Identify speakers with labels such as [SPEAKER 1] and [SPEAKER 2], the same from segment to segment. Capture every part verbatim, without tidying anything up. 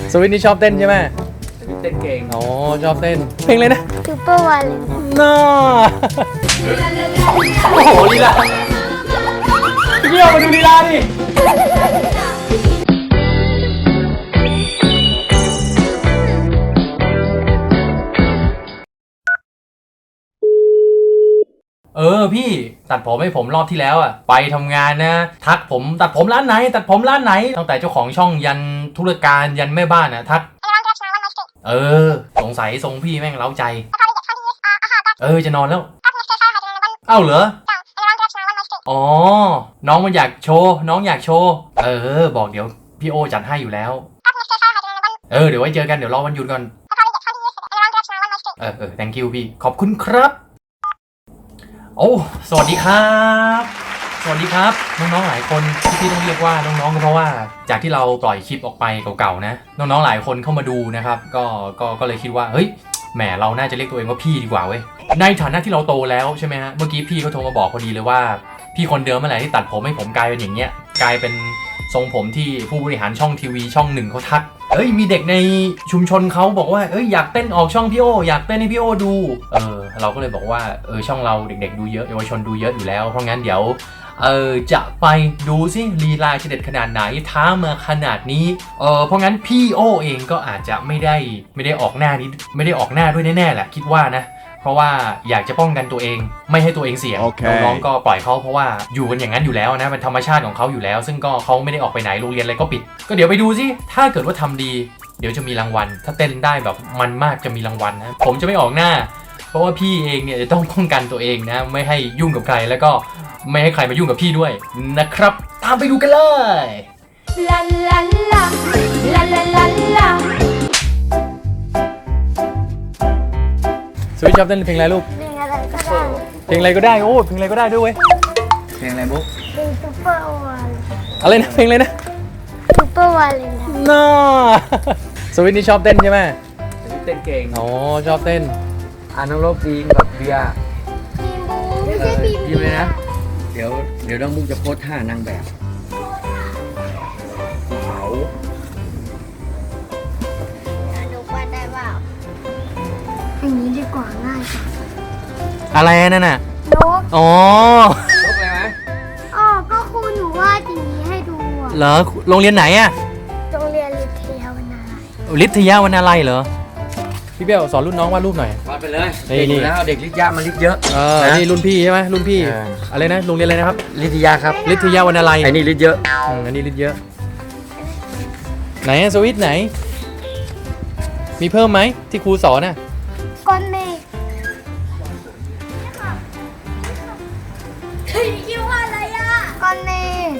[SPEAKER 1] สวิตนี่ชอบเต้นใช่ไหม
[SPEAKER 2] เต้นเก่ง
[SPEAKER 1] อ๋อชอบเต้นเพลงเลยนะ
[SPEAKER 3] ซูเปอร์วาเลน
[SPEAKER 1] น่าโอ้โหลีลาพี่เบี้ยวมาดูลีลาดิเออพี่ตัดผมให้ผมรอบที่แล้วอะไปทำงานนะทักผมตัดผมร้านไหนตัดผมร้านไหนตั้งแต่เจ้าของช่องยันธุรการยันแม่บ้านอะทักเออสงสัยทรงพี่แม่งเล้าใจเออจะนอนแล้วเอ้าเหรออ๋อน้องมันอยากโชว์น้องอยากโชว์เออบอกเดี๋ยวพี่โอจัดให้อยู่แล้วเออเดี๋ยวไว้เจอกันเดี๋ยวรอวันหยุดก่อนเออเออ thank you พี่ขอบคุณครับโอ้สวัสดีครับสวัสดีครับน้องๆหลายคนที่พี่ต้องเรียกว่าน้องๆก็เพราะว่าจากที่เราปล่อยคลิปออกไปเก่าๆนะน้องๆหลายคนเข้ามาดูนะครับก็ก็ก็เลยคิดว่าเฮ้ยแหมเราน่าจะเรียกตัวเองว่าพี่ดีกว่าเว้ยในฐานะที่เราโตแล้วใช่ไหมฮะเมื่อกี้พี่เขาโทรมาบอกพอดีเลยว่าพี่คนเดิมเมื่อไหร่ที่ตัดผมให้ผมกลายเป็นอย่างเงี้ยกลายเป็นทรงผมที่ผู้บริหารช่องทีวีช่องหนึ่งเขาทักเอ้ยมีเด็กในชุมชนเขาบอกว่าเอ้ยอยากเต้นออกช่องพี่โออยากเต้นให้พี่โอดูเออเราก็เลยบอกว่าเออช่องเราเด็กๆดูเยอะเยาวชนดูเยอะอยู่แล้วเพราะงั้นเดี๋ยวเออจะไปดูซิลีลาจะเด็ดขนาดไหนท้ามาขนาดนี้เออเพราะงั้นพี่โอเองก็อาจจะไม่ได้ไม่ได้ออกหน้านี้ไม่ได้ออกหน้าด้วยแน่ๆแหละคิดว่านะเพราะว่าอยากจะป้องกันตัวเองไม่ให้ตัวเองเสี่ยง okay. น้องๆก็ปล่อยเขาเพราะว่าอยู่กันอย่างนั้นอยู่แล้วนะเป็นธรรมชาติของเขาอยู่แล้วซึ่งก็เขาไม่ได้ออกไปไหนโรงเรียนอะไรก็ปิดก็เดี๋ยวไปดูซิถ้าเกิดว่าทำดีเดี๋ยวจะมีรางวัลถ้าเต้นได้แบบมันมากจะมีรางวัลนะผมจะไม่ออกหน้าเพราะว่าพี่เองเนี่ยจะต้องป้องกันตัวเองนะไม่ให้ยุ่งกับใครแล้วก็ไม่ให้ใครมายุ่งกับพี่ด้วยนะครับตามไปดูกันเลยลาลาลาลาลาลาลาสวิตช์ชอบเต้นเพลงอะไรลูก
[SPEAKER 3] เพลงอะไรก็ได้
[SPEAKER 1] เพลงอะไรก็ได้โอ้เพลงอะไรก็ได้ด้วยเว้ย
[SPEAKER 2] เพลงอะไรบุ๊ก
[SPEAKER 3] เพลงซูเปอร์วาเลน
[SPEAKER 1] อะไรนะเพลงอะไรนะ
[SPEAKER 3] ซูเปอร์วาเลน
[SPEAKER 1] น่าสวิตนี่ชอบเต้นใช่ไหม
[SPEAKER 2] เต้นเก่ง
[SPEAKER 1] อ๋อชอบเต้น
[SPEAKER 2] อ่านน้องโลกจีนกับเบียร์
[SPEAKER 3] บีมบูไม่ใช่บีม
[SPEAKER 2] บีมเลยนะเดี๋ยวเดี๋ยวน้องบุ๊กจะโพสท่านางแบบเขา
[SPEAKER 3] ดูว่าได้เปล่าอย่างนี้ดีกว่าง่ายกว่า
[SPEAKER 1] อะไรนั่นน่ะ
[SPEAKER 3] นก
[SPEAKER 1] อ๋อน
[SPEAKER 2] กอะไรไหม
[SPEAKER 3] อ๋อก็ครูหนูวาดอย่างนี้ให้ดู
[SPEAKER 1] เหรอโรงเรียนไหนอะ
[SPEAKER 3] โรงเรียนลิทยาวนาลัย
[SPEAKER 1] ลิทยาวนาลัยเหรอพี่เบี้ยวสอนรุ่นน้องวาดรูปหน่อยว
[SPEAKER 2] าดไปเลยเด็กอยู่แล้วเด็กลิทยามันลิทเยอะ
[SPEAKER 1] เออนี่รุ่นพี่ใช่ไหมรุ่นพี่อะไรนะโรงเรียนอะไรนะครับ
[SPEAKER 2] ลิทยาครับ
[SPEAKER 1] ลิทยาวนาลัย
[SPEAKER 2] ไอ้นี่ลิทเยอะ
[SPEAKER 1] อันนี้ลิทเยอะไหนสวิตไหนมีเพิ่มไหมที่ครูสอนน่ะ
[SPEAKER 3] ก้อนเมฆเฮ้ยคิดว่าอะไรอ่ะก้อนเมฆ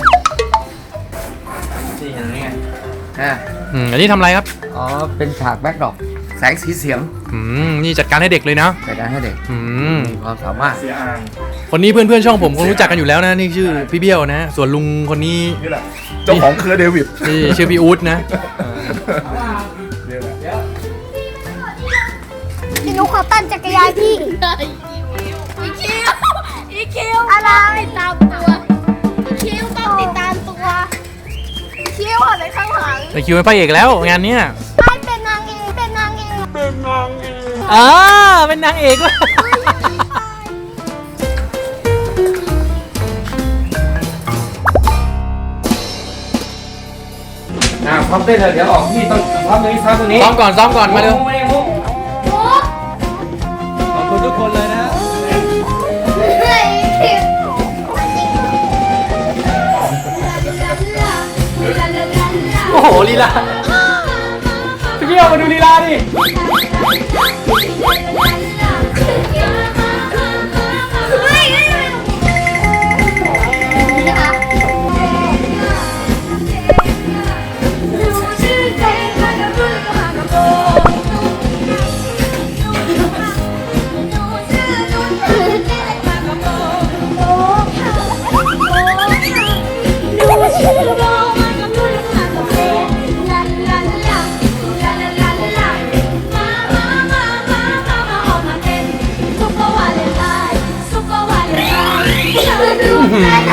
[SPEAKER 2] นี่เห็นไหมไงอ่ะ
[SPEAKER 1] อืมอันนี้ทำอะไรครับ
[SPEAKER 2] อ๋อเป็นฉากแบ็คดรอปแสงสีเสียง
[SPEAKER 1] อืมนี่จัดการให้เด็กเลยนะ
[SPEAKER 2] จัดการให้เด็ก
[SPEAKER 1] อืม
[SPEAKER 2] มีความสามารถเสียอ่าง
[SPEAKER 1] คนนี้เพื่อนๆช่องผมคงรู้จักกันอยู่แล้วนะนี่ชื่อพี่เบี้ยวนะส่วนลุงคนนี้
[SPEAKER 4] นี่แหละเจ้าของเครือเดวิด
[SPEAKER 1] นี่ชื่อพี่อู๊ดนะ
[SPEAKER 3] พี่นุ๊กขอตั้นจักรยานพี่อีคิวอีคิวอะไรตามตัวอีคิวต้องติดตามตัวอีคิวอะไรข้างหลัง
[SPEAKER 1] ไอคิวเป็นพระเอกแล้วงานเนี้ย
[SPEAKER 3] ไม่เป็นนางเอกเป็นนางเอกเป็นนางเอก
[SPEAKER 1] อ่าเป็นนางเอกว่ะ
[SPEAKER 2] อ่าพร้อมเต้นเลยเดี๋ยวออกพี่ต้องพร้อมตรงนี้ซ้อมตรงนี้
[SPEAKER 1] ซ้อมก่อนซ้อมก่อนมาเร็ว
[SPEAKER 2] ขอบคุณทุกคนเลยนะ
[SPEAKER 1] โอ้โหลีลาพี่เบี้ยวมาดูลีลาดิ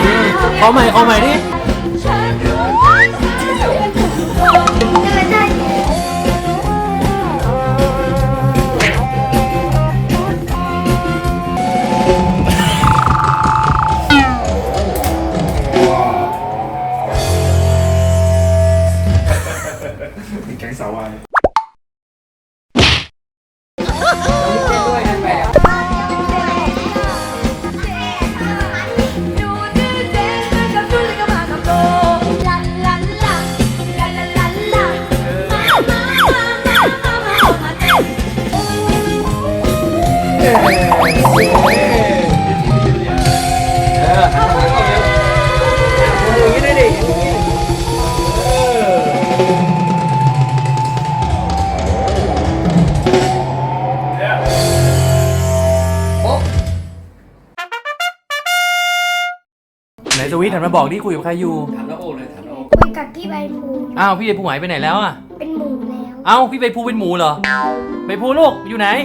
[SPEAKER 1] ขอใหม่ขอใหม่ดิ
[SPEAKER 4] แก๊งสาววาย
[SPEAKER 2] ด้วยนางแบบ
[SPEAKER 1] ไหนสวิตหันมาบอกดิคุยกับใครอยู่
[SPEAKER 2] ถามน้าโอเลยถามน้าโอ
[SPEAKER 3] คุยกับพี่ใบภู
[SPEAKER 1] อ้าวพี่ใบภูหายไปไหนแล้วอ่ะ
[SPEAKER 3] เป็นหมูแล้ว
[SPEAKER 1] เอ้าพี่ใบภูเป็นหมูเหรอใบภูลูกอยู่ไหน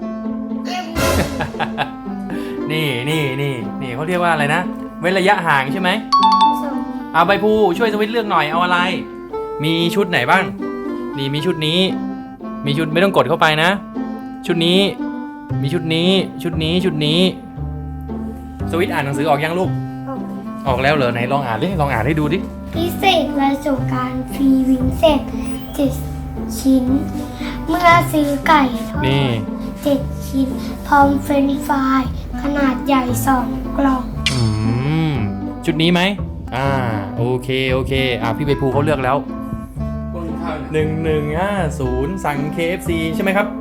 [SPEAKER 1] นี่นี่นี่นี่เขาเรียกว่าอะไรนะเว้นระยะห่างใช่ไหม
[SPEAKER 3] ส่ง
[SPEAKER 1] เอาใบภูช่วยสวิตเลือกหน่อยเอาอะไร มีชุดไหนบ้างนี่มีชุดนี้ มีชุดไม่ต้องกดเข้าไปนะ ชุดนี้ มีชุดนี้ ชุดนี้ชุดนี้สวิตอ่านหนังสือออกยังลูก
[SPEAKER 3] ออก
[SPEAKER 1] ออกแล้วเหรอไหนลองอ่านดิลองอ่านให้ดูดิ
[SPEAKER 3] พิเศษและสงกรารฟรีวิงเสร็จเจ็ดชิ้น เมื่อซื้อไก่ทอด
[SPEAKER 1] นี่
[SPEAKER 3] เจ็ดชิ้น พร้อมเฟรนช์ฟรายขนาดใหญ่สองกล่อง
[SPEAKER 1] อืมชุดนี้ไหมอ่าโอเคโอเคอ่าพี่ใบภูเขาเลือกแล้ว
[SPEAKER 2] พวกข้าว
[SPEAKER 1] หนึ่งหนึ่งห้าศูนย์สั่ง เค เอฟ ซี ใช่ไหมครับ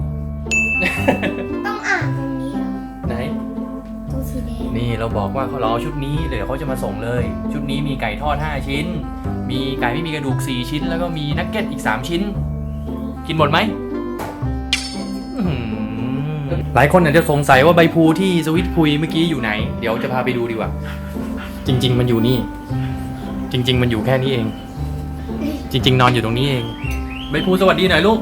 [SPEAKER 3] ต้องอ่านตรงนี้เหรอ
[SPEAKER 1] ไหน
[SPEAKER 3] ตรงสีแดง
[SPEAKER 1] นี่เราบอกว่าเขาเราเอาชุดนี้เดี๋ยวเขาจะมาส่งเลย ชุดนี้มีไก่ทอดห้าชิ้น มีไก่ไม่มีกระดูกสี่ชิ้น แล้วก็มีนักเก็ตอีกสามชิ้น กินหมดไหมอื้อหือหลายคนอาจจะสงสัยว่าใบพลูที่สวิตคุยเมื่อกี้อยู่ไหน เดี๋ยวจะพาไปดูดีกว่า จริง ๆ มันอยู่นี่ จริง ๆ มันอยู่แค่นี้เอง จริง ๆ นอนอยู่ตรงนี้เองใบพลูสวัสดีหน่อยลูก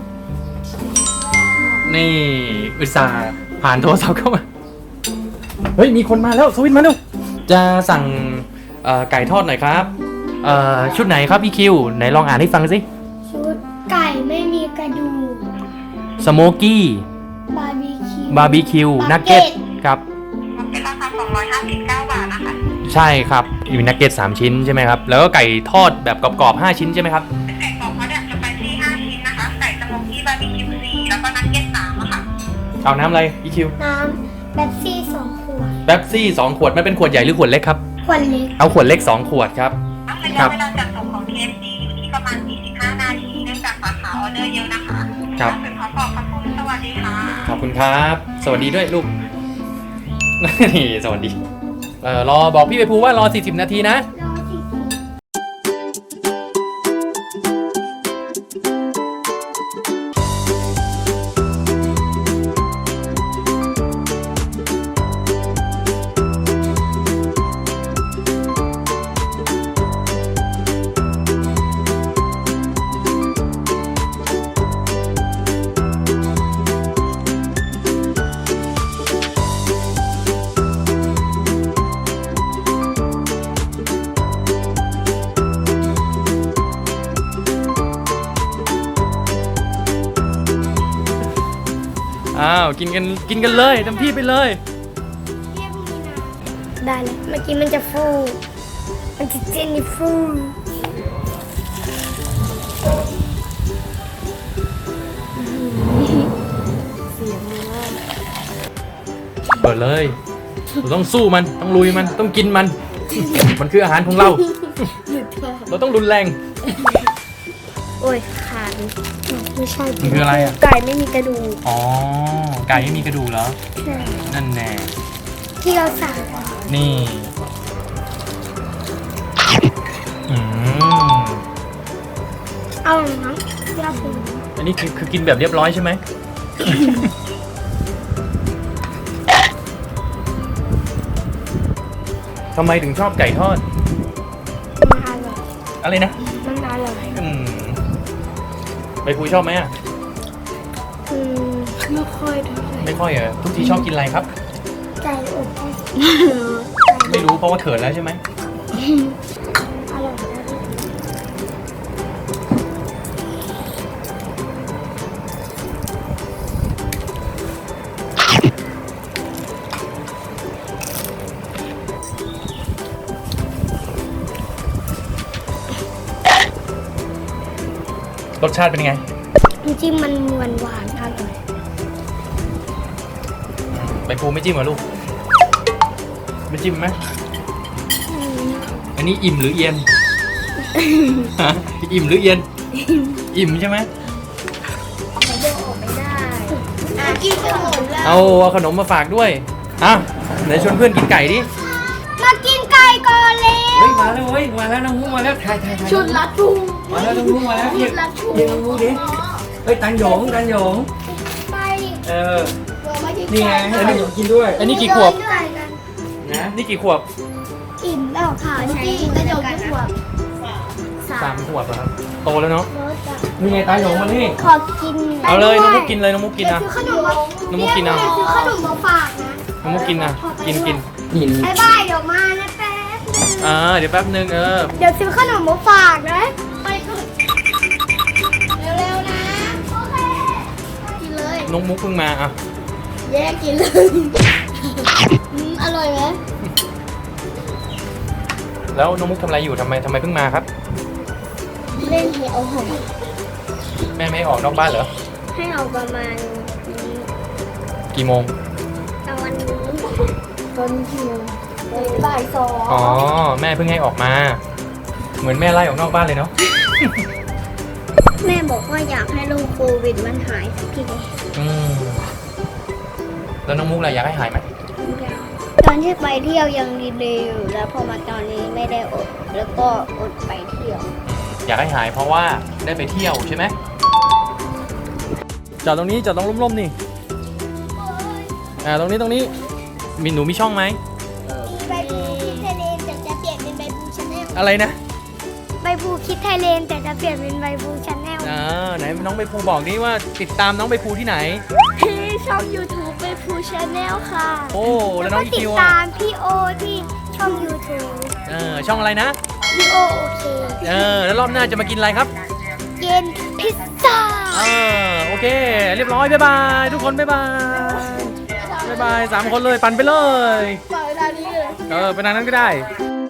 [SPEAKER 1] นี่อุตส่าห์ผ่านโทรศัพท์เข้ามา เฮ้ยมีคนมาแล้วสวิตมาเร็วจะสั่งเอ่อไก่ทอดหน่อยครับเอ่อชุดไหนครับพี่คิวไหนลองอ่านให้ฟังสิ
[SPEAKER 3] ชุดไก่ไม่มีกระดูก
[SPEAKER 1] สโมกี้
[SPEAKER 3] บาร์บีคิว
[SPEAKER 1] บาร์บีคิวนักเก็ตครับ
[SPEAKER 5] เป็นราคาสองร้อยห้าสิบเก้าบาทนะคะ
[SPEAKER 1] ใช่ครับมีนักเก็ตสามชิ้นใช่ไหมครับแล้วก็ไก่ทอดแบบกรอบๆห้าชิ้นใช่ไหมครับ
[SPEAKER 5] เป็นไก่กรอบเขาเนี่ยจะไปที่ห้าชิ้นนะคะ ไก่สโมกี้บาร์บีคิวสี่แล้วก็นักเก็ตสามอะค่ะ
[SPEAKER 1] เอาน้ำอะไรพี่คิว
[SPEAKER 3] น้ำแบบซี่สองขวด
[SPEAKER 1] แป๊บซี่สองขวดมันเป็นขวดใหญ่หรือขวดเล็กครับ
[SPEAKER 3] ขวดเล็ก
[SPEAKER 1] เอาขวดเล็กสองขวดครับ
[SPEAKER 5] ระ
[SPEAKER 1] ครั
[SPEAKER 5] ยะ
[SPEAKER 1] บ
[SPEAKER 5] เวลาจัดส่งของ ที เอ็ม ซี อยู่ที่ประมาณสี่สิบห้านาทีเนื่องจากสาขาออเดอร์เยอะนะคะ
[SPEAKER 1] ครับ
[SPEAKER 5] ถึงขอขอบพระคุณสวัสดีค่ะ
[SPEAKER 1] ขอบคุณครับ สวัสดีด้วยลูก นี่สวัสดีเอ่อรอบอกพี่ไปภูว่ารอสี่สิบนาทีนะ
[SPEAKER 3] รอสิ
[SPEAKER 1] อ้าวกินกันกินกันเลยเต็มที่ไปเลย
[SPEAKER 3] ได้เลยเมื่อกี้มันจะฟู มันจะเจนนี่ฟู
[SPEAKER 1] เปิดเลยเราต้องสู้มันต้องลุยมันต้องกินมัน มันคืออาหารของเรา เราต้องรุนแรง
[SPEAKER 3] โอ้ยขาดไม่ใช่
[SPEAKER 1] มันคืออะไรอ่ะ
[SPEAKER 3] ไก่ไม่มีกระดูก
[SPEAKER 1] อ๋อไก่ไม่มีกระดูกเหรอ
[SPEAKER 3] ใช่
[SPEAKER 1] นั่นแน่
[SPEAKER 3] ที่เราสั่ง
[SPEAKER 1] นี่อืม
[SPEAKER 3] เอาหนังยาปู
[SPEAKER 1] อันนี้คือคือกินแบบเรียบร้อยใช่ไหม ทำไมถึงชอบไก่ทอด
[SPEAKER 3] มันอร่อย
[SPEAKER 1] อะไรนะ
[SPEAKER 3] มันอร่อย
[SPEAKER 1] อืมไปคุยชอบไหมอ่ะ
[SPEAKER 3] อืมไม่ค่อยเท่าไหร่
[SPEAKER 1] ไม่ค่อยเหรอทุกทีชอบกินอะไรครับ
[SPEAKER 3] ไก่อบ
[SPEAKER 1] ไม่รู้เพราะว่าเขินแล้วใช่ไหม
[SPEAKER 3] อร่อยนะ
[SPEAKER 1] อรสชาติเป็นยังไง
[SPEAKER 3] น้ำจิ้มมันหวานหวานอร่อย
[SPEAKER 1] ใบพลูไม่จิ้มเหรอลูก ไม่จิ้มไหมอันนี้อิ่มหรือเอียน ฮะอิ่มหรือเอียน อิ่มใช่ไหม
[SPEAKER 3] เขาเดินออกไม่ได้อ่ะกินกันหมดแล้ว
[SPEAKER 1] เอาเอาขนมมาฝากด้วยอ่ะไหนชวนเพื่อนกินไก่ดิ
[SPEAKER 3] มากินไก่ก่อนเลย
[SPEAKER 2] เฮ้ยมาแล้วเฮ้ยมาแล้วน้องมุกมาแล้วถ่ายถ่ายถ่าย
[SPEAKER 3] ชุดลัดพุง
[SPEAKER 2] มาแล้วน้องมุกมาแล้ว
[SPEAKER 3] ชุ
[SPEAKER 2] เรีย
[SPEAKER 3] ด
[SPEAKER 2] ก
[SPEAKER 3] ลัดพุง
[SPEAKER 2] เรียกน้องมุกดิเฮ้ยตันหยงตันหยง
[SPEAKER 3] ไป
[SPEAKER 2] เออ
[SPEAKER 3] เดี๋ยวมากิน
[SPEAKER 2] นี่ไง
[SPEAKER 3] ไก่
[SPEAKER 2] ให้ตันหยงกินด้วย
[SPEAKER 1] อันนี้กี่ขวบ
[SPEAKER 3] ไก่กัน
[SPEAKER 2] นะ
[SPEAKER 1] นี่กี่ขวบ
[SPEAKER 3] อิ่มแล้วค่ะที่กระจกขวบ
[SPEAKER 1] สามขวบเหรอครับ โตแล้วเนาะ
[SPEAKER 3] รสอ่ะ
[SPEAKER 2] นี่ไงตันหยงมานี่
[SPEAKER 3] ขอกิน
[SPEAKER 1] เอาเลยน้องมุกกินเลยน้องมุกกิน
[SPEAKER 3] เดี๋ยว
[SPEAKER 1] นะ
[SPEAKER 3] ซื้อขนมมา
[SPEAKER 1] น้องมุกกินเอา
[SPEAKER 3] เดี๋ยวซื้อขนมมาฝากนะ
[SPEAKER 1] น้องมุกกินนะกินกิน
[SPEAKER 2] หิน
[SPEAKER 3] บายบายเดี๋ยวมานะแป๊บนึง
[SPEAKER 1] อ่าเดี๋ยวแป๊บนึงเออ
[SPEAKER 3] เดี๋ยวซื้อขนมมาฝากนะไปก่อนเร็วๆนะโอเคกินเลย
[SPEAKER 1] น้องมุกเพิ่งมาอ่ะ
[SPEAKER 3] แยกกินเลยอืมอร่อยไหม
[SPEAKER 1] แล้วน้องมุกทำอะไรอยู่ทำไมทำไมเพิ่งมาครับ
[SPEAKER 3] เล่นให้เอาหอม
[SPEAKER 1] แม่ไม่ให้ออกนอกบ้านเหรอ
[SPEAKER 3] ให้เอาประมาณ
[SPEAKER 1] กี่โมง
[SPEAKER 3] ตอนนี้ตอนกี่โมงบ่ายสอง
[SPEAKER 1] อ๋อ แม่เพิ่งให้ออกมา เหมือนแม่ไล่ออกนอกบ้านเลยเนาะ
[SPEAKER 3] แม่บอกว่าอยากให้โรคโควิดมันหายสักที
[SPEAKER 1] อืมแล้วน้องมุกล่ะอยากให้หายไหม
[SPEAKER 3] ตอนที่ไปเที่ยวยังดีๆอยู่แล้วพอมาตอนนี้ไม่ได้อดแล้วก็อดไปเที่ยว
[SPEAKER 1] อยากให้หายเพราะว่าได้ไปเที่ยวใช่ไหมจอดตรงนี้จอดตรงร่มๆนี่ อ่าตรงนี้ตรงนี้ มีหนูมีช่องไหม
[SPEAKER 3] ใบบูคิดไทยเลนแต่จะเปลี่ยนเป็นใบบูชาแนล
[SPEAKER 1] อะไรนะ
[SPEAKER 3] ใบบูคิดไทยเลนแต่จะเปลี่ยนเป็นใบบูชาแนล
[SPEAKER 1] อ่าไหนน้องใบภูบอกดิว่าติดตามน้องใบภูที่ไหน
[SPEAKER 3] ที่ช่อง YouTube ใบบูชาแนลค่ะ
[SPEAKER 1] โอ้แล้วน้องอี
[SPEAKER 3] ติด
[SPEAKER 1] คิว
[SPEAKER 3] ตา
[SPEAKER 1] อ่ะ
[SPEAKER 3] มพี่โอที่ช่อง YouTube
[SPEAKER 1] เออช่องอะไรนะ
[SPEAKER 3] พี่โอโอเค
[SPEAKER 1] เออแล้วรอบหน้าจะมากินอะไรครับ
[SPEAKER 3] เย็นพิซซ่า
[SPEAKER 1] เออโอเค เรียบร้อยบ๊ายบายทุกคนบ๊ายบายบ๊ายบายสามคนเลยปั่นไปเลย
[SPEAKER 3] ปล่อยตอนนี้เลย
[SPEAKER 1] เออไปทางนั้นก็ได้